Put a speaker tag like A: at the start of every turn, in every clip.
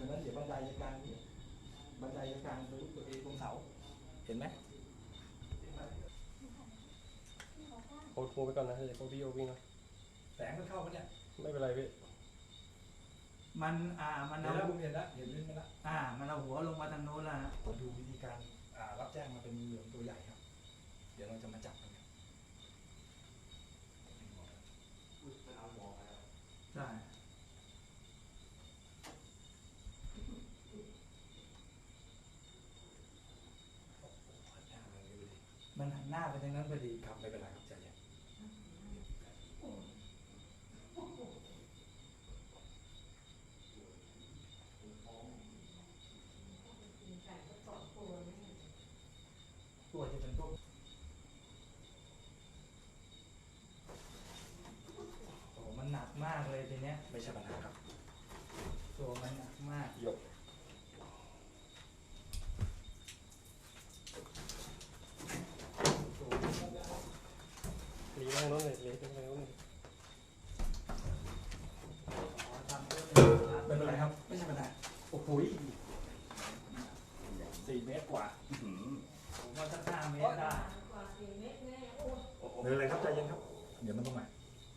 A: ฉะนั้นเดี๋ยวบันไดจะกลางนี้บันไดจะกลางตัวเองตรงเสาเห็นไหม
B: โคตรไปก่อนนะเดี๋ยวพี่โอวิ่งนะ
A: แสงมันเข้าปะเนี่ย
B: ไม่เป็นไรพี่
A: มันเอาเห็นแล้วเห็นลิ้นมันละมันเอาหัวลงมาทางโน้นแล้วดูวิธีการรับแจ้งมาเป็นงูเหลือมตัวใหญ่ครับเดี๋ยวเราจะมาจับกันใช่มันหันหน้าไปทางนั้นพอดีครับไม่เป็นไรครับใจเย็นตัวจะเป็นตัวโอ้มันหนักมากเลยทีเนี้ยไม่ใช่ปัญหาครับตัวมันหนักมากยก
B: หลีไปทางโน้นเลยหลีไปทางโน้นเลย
A: ไม่เป็นไรครับไม่ใช่ปัญหาโอ้โห4 เมตรกว่าผมว่าสัก5 เมตรได้ไม่เป็นไรครับใจเย็นครับเดี๋ยวมันต้องมา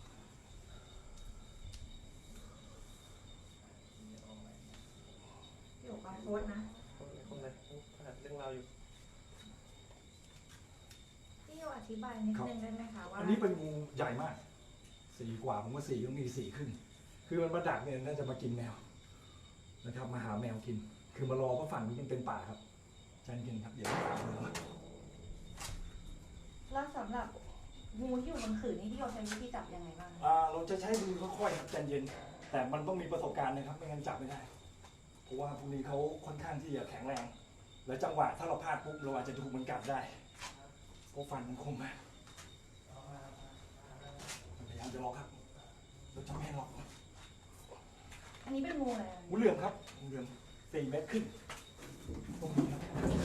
C: อยู่กับโค้ดนะ
B: คนไหนหัดเรื่องราวอยู่
C: พี่โยอธิบายนิดนึงได้ไหมคะว่า
A: อันนี้เป็นงูใหญ่มาก4 กว่าผมว่า4ต้องมี4ขึ้นคือมันมาดักเนี่ยน่าจะมากินแมวนะครับมาหาแมวกินคือมารอเพราะฝั่งนี้มันเป็นป่าครับใจเย็นครับเดี๋ยวตามมา
C: แล้วสำหรับงูที่อยู่บนขื่อนี่พี่โยใช้วิธีจับยังไงบ้าง
A: เราจะใช้มือค่อยๆครับใจเย็นแต่มันต้องมีประสบการณ์นะครับไม่งั้นจับไม่ได้เพราะว่าพวกนี้เขาค่อนข้างที่จะแข็งแรงและจังหวะถ้าเราพลาดปุ๊บเราอาจจะถูกมันกัดได้เพราะฟันมันคมมากพยายามจะล็อกครับเราจะไม่ให้ล็อก
C: อันนี้เป็นงูอะไร
A: งูเหลือมครับงูเหลือม4 เมตรขึ้นตรงนี้ครับ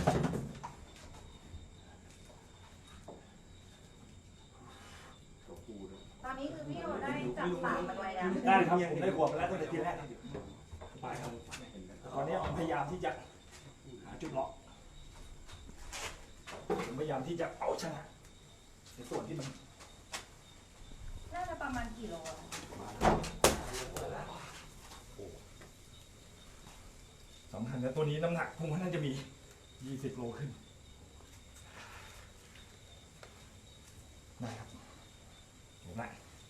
C: ตอนนี้คือพี่โยได้จับปากมันไว้แล้ว
A: ได้ครับผมได้ขวบไปแล้วตั้งแต่ทีแรกไปครับตอนนี้ผมพยายามที่จะหาจุดล็อกผมพยายามที่จะเอาชนะในส่วนที่มัน
C: น่าจะประมาณกี่โล
A: สำคัญนะตัวนี้น้ำหนักผมว่าน่าจะมี20 โลขึ้นได้ครับเห็นไหม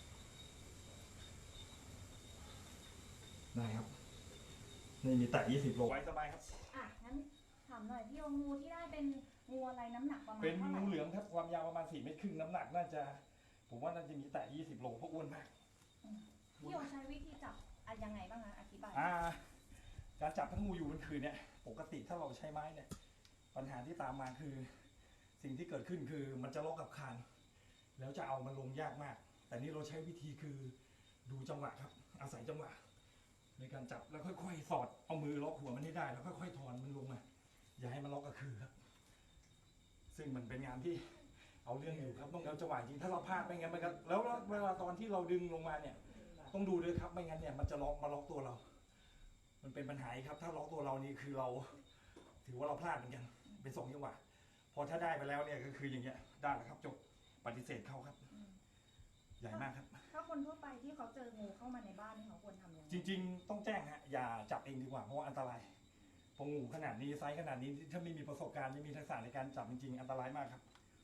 A: ได้ครับนี่มีแต่20 โลไว้สบายครับ
C: งั้นถามหน่อยพี่โยงูที่ได้เป็นงูอะไรน้ำหนักประมาณ
A: เป็น
C: เท่าไหร่
A: งูเหลือมครับความยาวประมาณ4 เมตรครึ่งน้ำหนักน่าจะผมว่าน่าจะมีแต่20 โลเพราะอ้วนมาก
C: พี่โยใช้วิธีจับยังไงบ้างคะอธิบาย
A: การจับทั้งงูอยู่บนขื่อเนี่ยปกติถ้าเราใช้ไม้เนี่ยปัญหาที่ตามมาคือสิ่งที่เกิดขึ้นคือมันจะล็อกกับคานแล้วจะเอามันลงยากมากแต่นี่เราใช้วิธีคือดูจังหวะครับอาศัยจังหวะในการจับแล้วค่อยๆสอดเอามือล็อกหัวมันให้ได้แล้วค่อยๆถอนมันลงมาอย่าให้มันล็อกกับขื่อครับซึ่งมันเป็นงานที่เอาเรื่องอยู่ครับต้องเอาจังหวะจริงถ้าเราพลาดไม่งั้นมันก็แล้วเวลาตอนที่เราดึงลงมาเนี่ยต้องดูด้วยครับไม่งั้นเนี่ยมันจะล็อกตัวเรามันเป็นปัญหาครับถ้าล็อกตัวเรานี่คือเราถือว่าเราพลาดเหมือนกันเป็น2 จังหวะพอถ้าได้ไปแล้วเนี่ยก็คืออย่างเงี้ยได้แล้วครับจบปฏิเสธเขาครับใหญ่มากครับ
C: ถ้าคนทั่วไปที่เขาเจองูเข้ามาในบ้านนี่เขาควรทำยังไง
A: จริงๆต้องแจ้งฮะอย่าจับเองดีกว่าเพราะว่าอันตรายพองูขนาดนี้ไซส์ขนาดนี้ถ้าไม่มีประสบการณ์ไม่มีทักษะในการจับจริงๆอันตรายมากครับ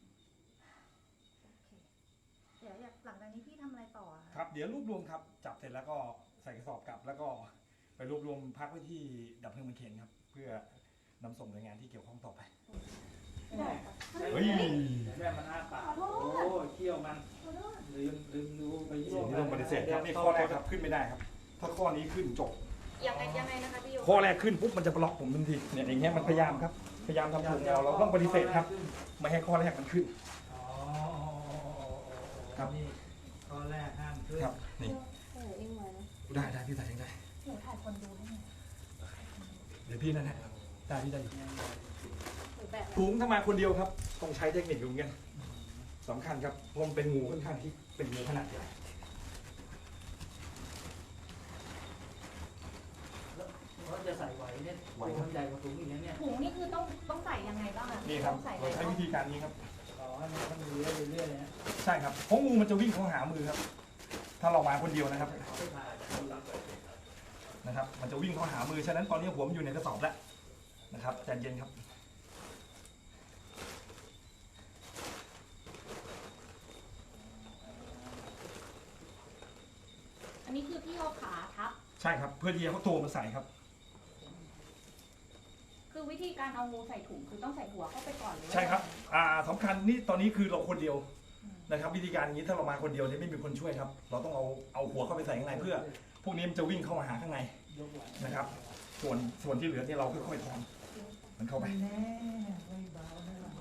C: เดี๋ยวหลังจากนี้พี่ทำอะไรต่อ
A: ครับเดี๋ยวรวบรวมครับจับเสร็จแล้วก็ใส่กระสอบกลับแล้วก็ไปรวบรวมพักไว้ที่ดับเพลิงบางเขนครับเพื่อนำส่งหน่วยงานที่เกี่ยวข้องต่อไปเฮ้ยแม่มันอ้าปากโอ้เขี้ยวมันลืมดูไปสิ่งที่ต้องปฏิเสธครับนี่ข้อแรกครับขึ้นไม่ได้ครับถ้าข้อนี้ขึ้นจบ
C: ยังไงนะคะพี่โย
A: ข้อแรกขึ้นปุ๊บมันจะบล็อกผมทันทีเนี่ยอย่างเงี้ยมันพยายามครับพยายามทำถูกเราต้องปฏิเสธครับไม่ให้ข้อแรกมันขึ้นครับ
D: ข้อแรกห้ามขึ้น
A: ครับนี่ได้พี่ถ่ายเองได้
C: หนูถ่ายคนดูได้ไหม
A: เดี๋ยวพี่นั่นแหละได้พี่ได้อยู่ถุงถ้ามาคนเดียวครับต้องใช้เทคนิคอยู่เหมือนกันสำคัญครับเพราะมันเป็นงูค่อนข้างที่เป็นงูขนาดใหญ่
D: เขาจะใส่ไว้
A: ไหวครับ
D: มันใหญ่กว่าถุงอีกนะเนี่ย
C: ถุงนี่คือต้องใส่ยังไงบ้างอะ
A: นี่ครับ
C: ต้องใส่อะ
A: เรา
C: ไร
A: ใช้
C: บ้าง
A: วิธีการนี้ครับ
D: ต่อให้มันต้องเลื้อยไปเรื่อยๆนะ
A: ใช่ครับเพราะงูมันจะวิ่งเข้าหามือครับ ถ้าเรามาคนเดียวนะครับ
D: ไม่ผ่าน
A: นะครับ มันจะวิ่งเข้าหามือฉะนั้นตอนนี้หัวมันอยู่ในกระสอบแล้วนะครับใจเย็นครับ
C: อันนี้คือพี่เอาขาทับ
A: ใช่ครับเพื่อที่จะเขาตัวมาใส่ครับ
C: คือวิธีการเอางูใส่ถุงคือต้องใส่หัวเข้าไปก่อนเลย
A: ใช่ครับสำคัญนี่ตอนนี้คือเราคนเดียวนะครับ วิธีการอย่างนี้ถ้าเรามาคนเดียวเนี่ยไม่มีคนช่วยครับ เราต้องเอาหัวเข้าไปใส่ข้างในเพื่อ พวกนี้มันจะวิ่งเข้ามาหาข้างใน
D: ยกไหว
A: นะครับ ส่วนที่เหลือเนี่ยเราค่อยๆถอนมันเข้าไป
D: แน่ไม่เบาไม่เบา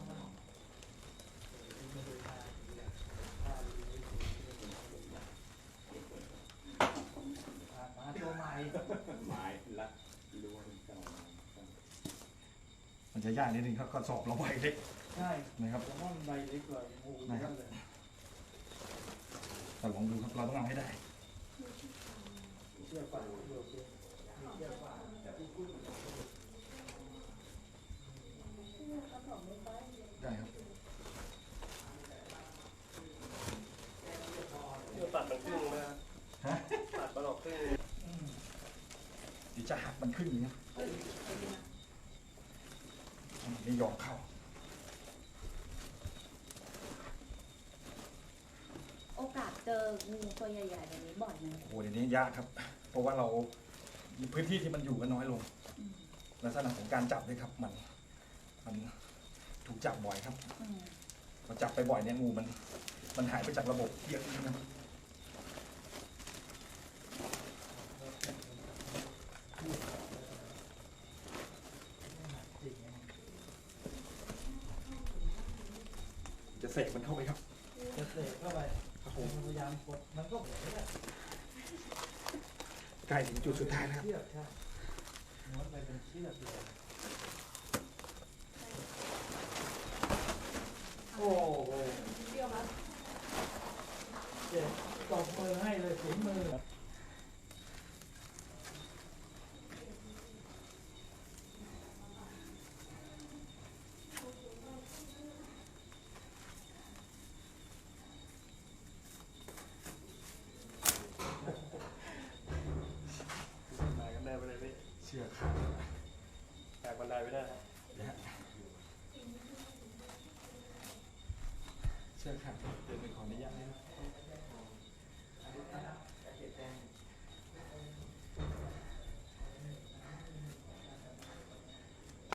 D: มาตัวใหม่
B: หมายละรู้ว่าเป็นเจ้า
A: มันจะยากนิดนึงครับกระสอบเราใบเล็ก
D: ใช่
A: นะครับ
D: ผมว่ามันใบเล็กกว่างูเยอะเลย
A: แต่ลองดูครับเราต้องเอาให้ได้
D: เชื่อกว่าเชื่อกว่า
A: ได้ครับ
B: เดี๋ยวตัดมันครึ่งนะ
A: ฮะ
B: ตัดมันออกครึ่ง
A: เดี๋ยวจะหักมันขึ้นอย่างนี้มันไม่ยอมเข้า
C: โอกาสเจองูตัวใหญ่ๆแบบนี้บ่อยไหม
A: โอ้โหเดี๋ยวนี้ยากครับ เพราะว่าเราพื้นที่ที่มันอยู่ก็น้อยลง
C: อืม
A: ลักษณะของการจับด้วยครับ มันถูกจับบ่อยครับ
C: อืม
A: พอจับไปบ่อยเนี่ยงูมันหายไปจากระบบเยอะนะครับจะเสกมันเข้าไปครับ
D: จะเสกเข้าไป
A: ครับผ
D: ผม มพยายามกดมันก็เหมือนเนี่ย
A: ใกล้ถึงจุดสุดท้ายแล้วครับ
D: เชือกใช่ม้วนไปเป็นเชือกเลยโอ้โหเจ็บตบมือให้เลยฝีมือ
B: ตายกันได้ไปเลยพี่
A: เชือกขาด
B: แตกบันไดไปได้ครับ